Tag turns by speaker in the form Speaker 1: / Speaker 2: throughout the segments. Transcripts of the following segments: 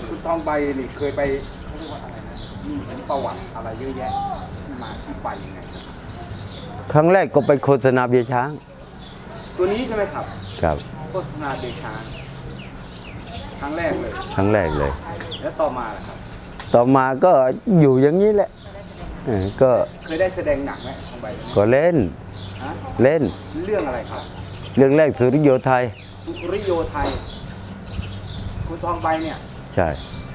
Speaker 1: คุณทองใบนี่เคยไปเขาเรียกว่าอะไรนะมีเห็นประวัติอะไรเยอะแยะที่มาที่ไปยังไง
Speaker 2: ครั้งแรกก็ไปโฆษณาเบียร์ช้าง
Speaker 1: ตัวนี้ใช่ไหมครับ
Speaker 2: ครับ
Speaker 1: โฆษณาเดชานครั้งแรกเลย
Speaker 2: ครั้งแรกเลย
Speaker 1: แล้วต่อมาล่ะครับ
Speaker 2: ต่อมาก็อยู่อย่างนี้แหละก็
Speaker 1: เคยได้แสดงหนังไหมทองใบ
Speaker 2: ก็เล่นเล่น
Speaker 1: เรื่องอะไรครับ
Speaker 2: เรื่องแรกสุริโยไทย
Speaker 1: สุริโยไทยคุณทองใบเนี่ย
Speaker 2: ใช่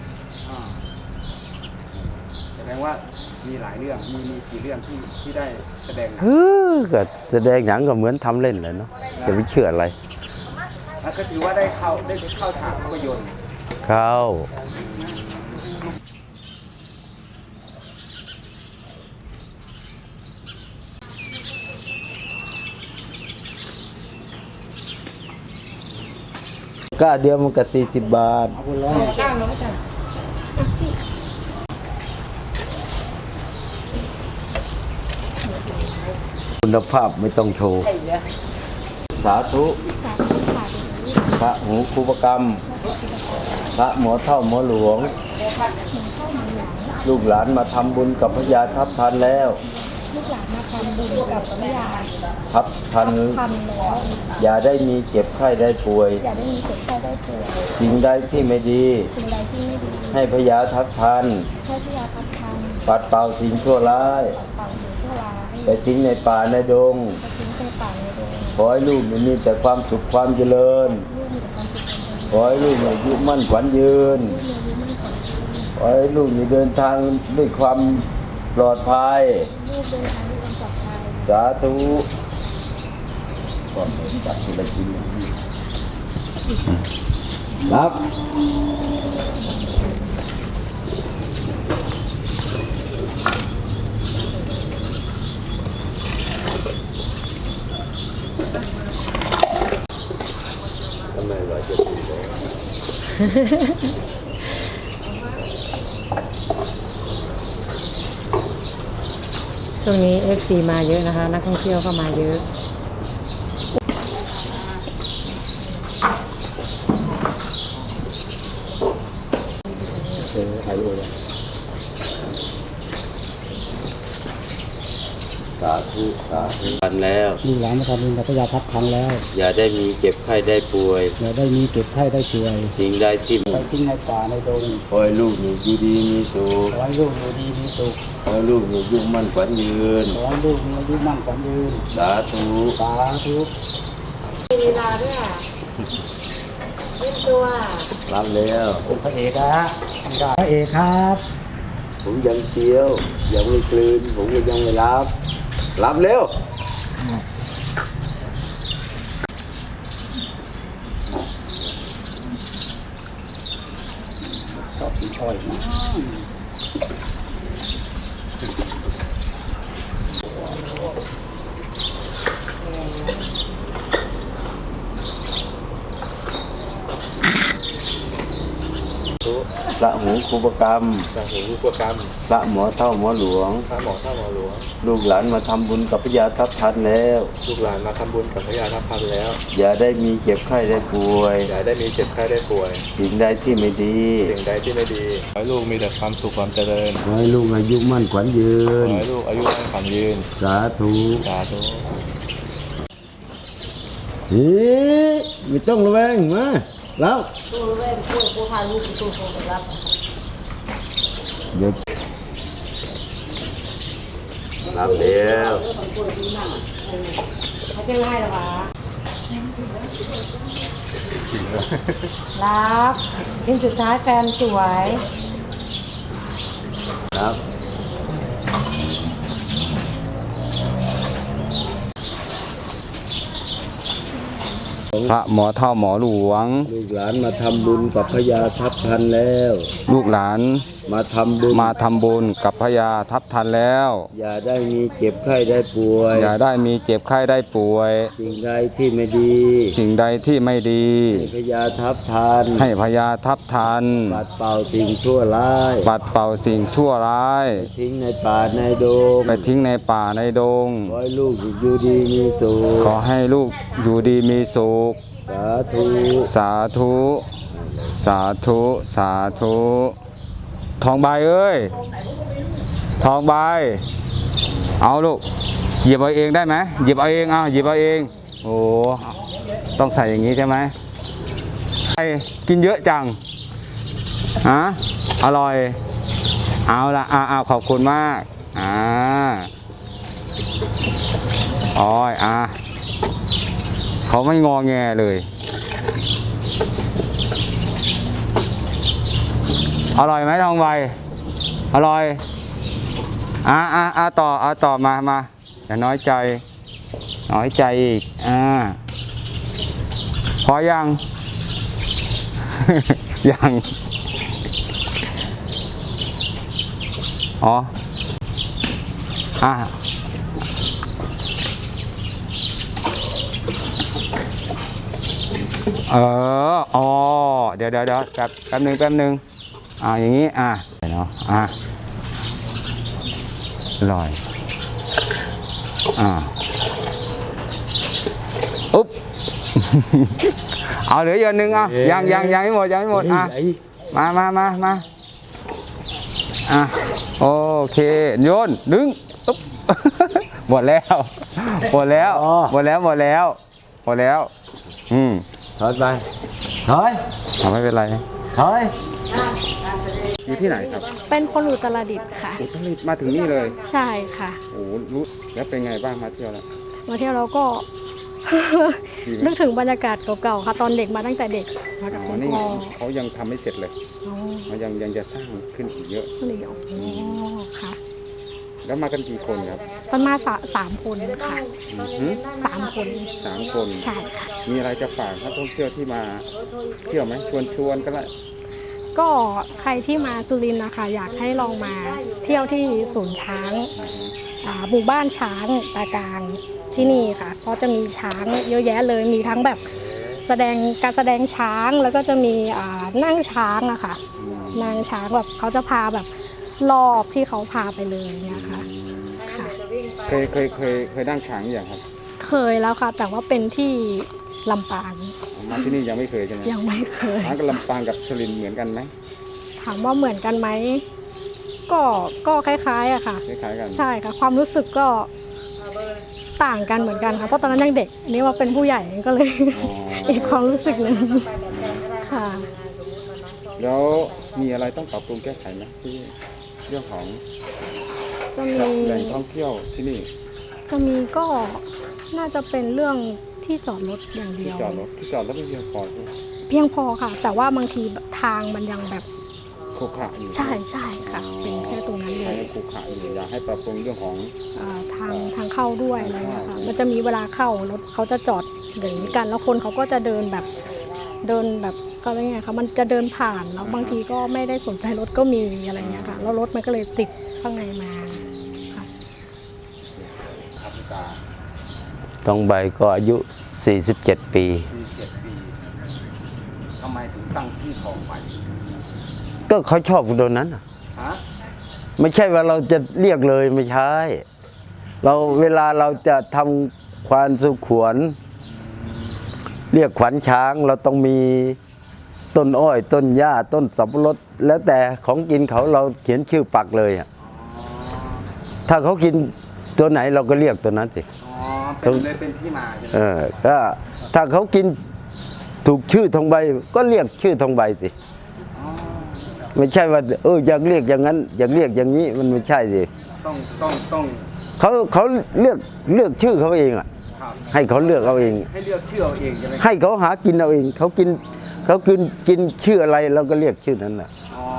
Speaker 1: แสดงว่ามีหลายเรื่องมีกี่เรื่องที่ได้แสดงหนัง
Speaker 2: ก็แสดงหนังก็เหมือนทำเล่นเลยเนาะจะไม่เชื่ออะไร
Speaker 1: แล้วก็ถือว่าได้เข้าฉากภาพยนตร์
Speaker 2: เข้าก้าเดียวมันก็40 บาทคุณภาพไม่ต้องโชว์สาธุพระหูครูปกรรมพระหมอเท่าหมอหลวงลูกหลานมาทำบุญกับพระยาทัพทันแล้ว
Speaker 3: ลูกหลานมาทำบุญกับพระยา
Speaker 2: ทัพทันอย่าได้มีเจ็บไข้ได้ป่วย
Speaker 3: อย่าได้มีเจ็บไข้ได้ป่วย
Speaker 2: สิ่งใดที่ไม่ดี
Speaker 3: สิ่งใดที่ไม่ดี
Speaker 2: ให้พระยาทัพทัน
Speaker 3: ให้พระยาทัพทัน
Speaker 2: ปัดเป่าสิ่งชั่วร้ายไปทิ้งในป่าในดงขอให้ลูกมีแต่ความสุขความเจริญขอให้ลูกอายุมั่นขวัญยืนขอให้ลูกเดินทางด้วยความปลอดภัยสาธุก่อนจัดที่ได้กินครับทำไมว่าจะถูก
Speaker 4: ช่วงนี้ FC มาเยอะนะคะนักท่องเที่ยวก็มาเยอะ
Speaker 2: ถ่ายรูปเลยสาธุสาธุทันแล้ว
Speaker 5: ลูกหลานมาทำบุญกับพระยาทัพทันแล้ว
Speaker 2: อย่าได้มีเจ็บไข้ได้ป่วย
Speaker 5: อย่าได้มีเจ็บไข้ได้ป่วย
Speaker 2: สิ่งใดที่
Speaker 5: ไปทิ้งในป่าในดง
Speaker 2: ขอให้ลูกอยู่ดีมีสุข
Speaker 5: ขอให้ลูกอยู่ดีมีสุข
Speaker 2: ขอให้ลูกอยู่ยุ่งมั่นขวัญยืน
Speaker 5: ขอให้ลูกมีอายุมั่นขวัญยืน
Speaker 2: สาธุ
Speaker 5: สาธุ
Speaker 4: มีเวลาด้วยเล่นตัว
Speaker 2: รับแล้ว
Speaker 5: เป็นพระเอกนะพระเอกครับ
Speaker 2: ผมยังเชียวยังไม่กลืนผมก็ยังไม่รับเร็ว
Speaker 5: ชอบกินอ้อยนะ
Speaker 2: พระหูครูปกรรมพระหมอเท่าหมอหลวงลูกหลานมาทำบุญกับพระยาทัพทันแล้วอย่าได้มีเจ็บไข้ได้ป่วยสิ่งใดที่ไม่ดี
Speaker 1: ขอให้ลูกมีแต่ความสุขความเจริญ
Speaker 2: ขอให้ลูกอายุมั่นขวัญยืนสาธุไม่ต้องระแวงมาแล้วเดี๋ยวรับเดี๋ยว
Speaker 4: เขาจะง่ายหรอวะรับชิ้นสุดท้ายแฟนสวย
Speaker 2: ครับ
Speaker 1: พระหมอเท่าหมอหลวง
Speaker 2: ลูกหลานมาทำบุญกับพระยาทัพทันแล้ว
Speaker 1: ลูกหลาน
Speaker 2: มาทำ
Speaker 1: บุญกับพระยาทัพทันแล้ว
Speaker 2: อย่าได้มีเจ็บไข้ได้ป่วย
Speaker 1: อย่าได้มีเจ็บไข้ได้ป่วย
Speaker 2: สิ่งใดที่ไม่ดี
Speaker 1: ให้
Speaker 2: พระยาทัพทันปัดเป่าสิ่งชั่วร้ายทิ้งในป่าในดง
Speaker 1: ขอให้ลูกอยู่ดีมีสุข
Speaker 2: สาธุ
Speaker 1: สาธุสาธุทองใบเอ้ยทองใบเอาลูกหยิบเอาเองได้ไหมหยิบเอาเองเอาหยิบเอาเองโอ้ต้องใส่อย่างนี้ใช่ไหมไอ้กินเยอะจังฮะอร่อยเอาละขอบคุณมากอ๋อยเขาไม่งอแงเลยอร่อยไหมทองใบอร่อยต่อมาอย่าน้อยใจอีกพอยัง ยังอ๋อเดี๋ยวแป๊บหนึ่งอย่างนี้เนาะอร่อยอุ๊บ เอาเหลืออย่างหนึ่งยังไม่หมดมาโอเคโยนดึงอุ๊บ หมดแล้ว
Speaker 2: ถอยไปถอย
Speaker 1: ไม่เป็นไร
Speaker 2: ถอย
Speaker 1: อยู่ที่ไหนครับ
Speaker 3: เป็นคนอุตรดิตถ์ค่ะ
Speaker 1: อุตรดิตถ์มาถึงนี่เลย
Speaker 3: ใช่ค่ะ
Speaker 1: โอ้รู้แล้วเป็นไงบ้างมาเที่ยวแล้ว
Speaker 3: มาเที่ยวเราก็ นึกถึงบรรยากาศเก่าๆค่ะตอนเด็กมาตั้งแต่เด็กมากับคุณ
Speaker 1: นี่
Speaker 3: พ่อ
Speaker 1: เขายังทำไม่เสร็จเลย
Speaker 3: อ๋อ
Speaker 1: มันยังจะสร้างขึ้นอีกเยอะ
Speaker 3: ก็เลยค่ะ
Speaker 1: แล้วมากันกี่คนครับ
Speaker 3: ตอนมาสามคนค่ะ 3 คน
Speaker 1: 3 คน
Speaker 3: ใช่ค่ะ
Speaker 1: มีอะไรจะฝากนักท่องเที่ยวที่มาเที่ยวไหมชวนก็ได้
Speaker 3: ก็ใครที่มาสุรินทร์นะคะอยากให้ลองมาเที่ยวที่ศูนย์ช้างหมู่บ้านช้างตากลางที่นี่ค่ะเพราะจะมีช้างเยอะแยะเลยมีทั้งแบบการแสดงช้างแล้วก็จะมีนั่งช้างอะค่ะนั่งช้างแบบเขาจะพาแบบรอบที่เขาพาไปเลยเนี่ยค่ะค่ะ
Speaker 1: เคยนั่งช้างอย่างครับ
Speaker 3: เคยแล้วค่ะแต่ว่าเป็นที่ลำปาง
Speaker 1: มาที่นี่ยังไม่เคยใช่ไหม
Speaker 3: ยังไม่เคย
Speaker 1: ช้างกับลำปางกับสุรินทร์เหมือนกันไหม
Speaker 3: ถามว่าเหมือนกันไหมก็คล้ายๆอะค่ะ
Speaker 1: คล้ายๆกัน
Speaker 3: ใช่ค่ะความรู้สึกก็ต่างกันเหมือนกันค่ะเพราะตอนนั้นยังเด็กอันนี้ว่าเป็นผู้ใหญ่ก็เลย อีกความรู้สึกหนึ่งค่ะ
Speaker 1: แล้วมีอะไรต้องปรับปรุงแก้ไขไหมที่เรื่องของ
Speaker 3: จะมี
Speaker 1: แหล่งท่องเที่ยวที่นี่
Speaker 3: ก็น่าจะเป็นเรื่องที่จอดรถอย่างเดี
Speaker 1: ที่
Speaker 3: ยว
Speaker 1: จอดรถไม่เพียงพอใช่ไหม
Speaker 3: เพียงพอค่ะ แต่ว่าบางทีทางมันยังแบบ
Speaker 1: ขรุขระอยู่
Speaker 3: ใช่ค่ะเป็นแค่ตรงนั้นเล
Speaker 1: ใช้
Speaker 3: ย
Speaker 1: ขรุขระอยู่อยากให้ปรับปรุงเรื่องของ
Speaker 3: ทางเข้าด้วยอะไรเงี้ยค่ะมันจะมีเวลาเข้ารถเขาจะจอดอย่างนี้กันแล้วคนเขาก็จะเดินแบบก็อะไรเงี้ยค่ะมันจะเดินผ่านแล้วบางทีก็ไม่ได้สนใจรถก็มีอะไรเงี้ยค่ะแล้วรถมันก็เลยติดข้างในมาค่ะ
Speaker 2: ทองใบก็อายุ 47 ปี
Speaker 1: 47 ปีทำไมถึงตั้งที่ทองใบ
Speaker 2: ก็เขาชอบตัวนั้นน่ะ
Speaker 1: ฮะ
Speaker 2: ไม่ใช่ว่าเราจะเรียกเลยไม่ใช่เวลาเราจะทำควานสุขวน เรียกขวัญช้างเราต้องมีต้นอ้อยต้นหญ้าต้นสับปะรดแล้วแต่ของกินเขาเราเขียนชื่อปักเลยอ่ะถ้าเขากินตัวไหนเราก็เรียกตัวนั้นสิ
Speaker 1: เป็นที่มาใช่ไหม
Speaker 2: ก็ถ้าเขากินถูกชื่อทองใบก็เรียกชื่อทองใบสิไม่ใช่ว่าอยากเรียกอย่างนั้นอยากเรียกอย่างนี้มันไม่ใช่สิ
Speaker 1: ต้อง
Speaker 2: เขาเลือกชื่อเขาเองอ่ะ
Speaker 1: ครับ
Speaker 2: ให้เขาเลือกเอาเอง
Speaker 1: ให้เลือกชื่อเอาเองใช่ไหม
Speaker 2: ให้เขาหากินเอาเองเขากินชื่ออะไรเราก็เรียกชื่อนั้นน่ะ
Speaker 1: อ๋อ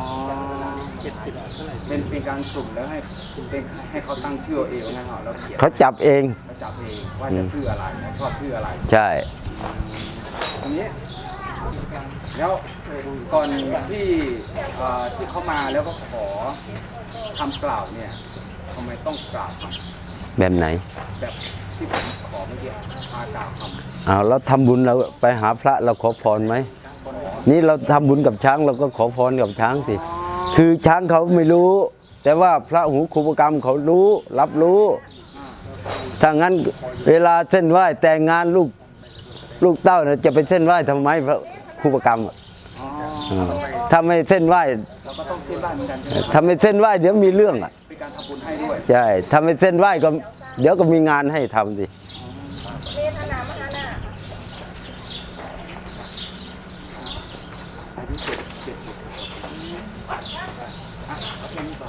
Speaker 1: เป็นการสุ่มแล้วให้เขาตั้งชื่อเอาเองนะฮะแล้วเขียน
Speaker 2: เขาจับเอง
Speaker 1: เขาจับเองว่าจะชื่ออะไรชอบชื่ออะไร
Speaker 2: ใช่
Speaker 1: อันนี้แล้วก่อนที่เขามาแล้วก็ขอคำกล่าวเนี่ยทำไมต้องกล่าวคำ
Speaker 2: แบบไหน
Speaker 1: แบบที่ผมขอเมื่อกี้มากล่าวคำ
Speaker 2: เราทำบุญเราไปหาพระเราขอพรไหมนี่เราทำบุญกับช้างเราก็ขอพรกับช้างสิคือช้างเขาไม่รู้ แต่ว่าพระหูครูปกรรมเขารู้รับรู้ถ้างั้นเวลาเส้นไหว้แต่งงานลูกเต้าเนี่ยจะไปเส้นไหว้ทำไมพระครูปกรรมถ้าไม่เส้นไหว้
Speaker 5: เราก็ต้องเส้นไหว้เหมือนกัน
Speaker 2: ถ้าไม่เส้นไหว้เดี๋ยวมีเรื่องอ่ะ
Speaker 5: เป็นการทำบุญให้ด้วย
Speaker 2: ใช่ถ้าไม่เส้นไหว้ก็เดี๋ยวก็มีงานให้ทำสิ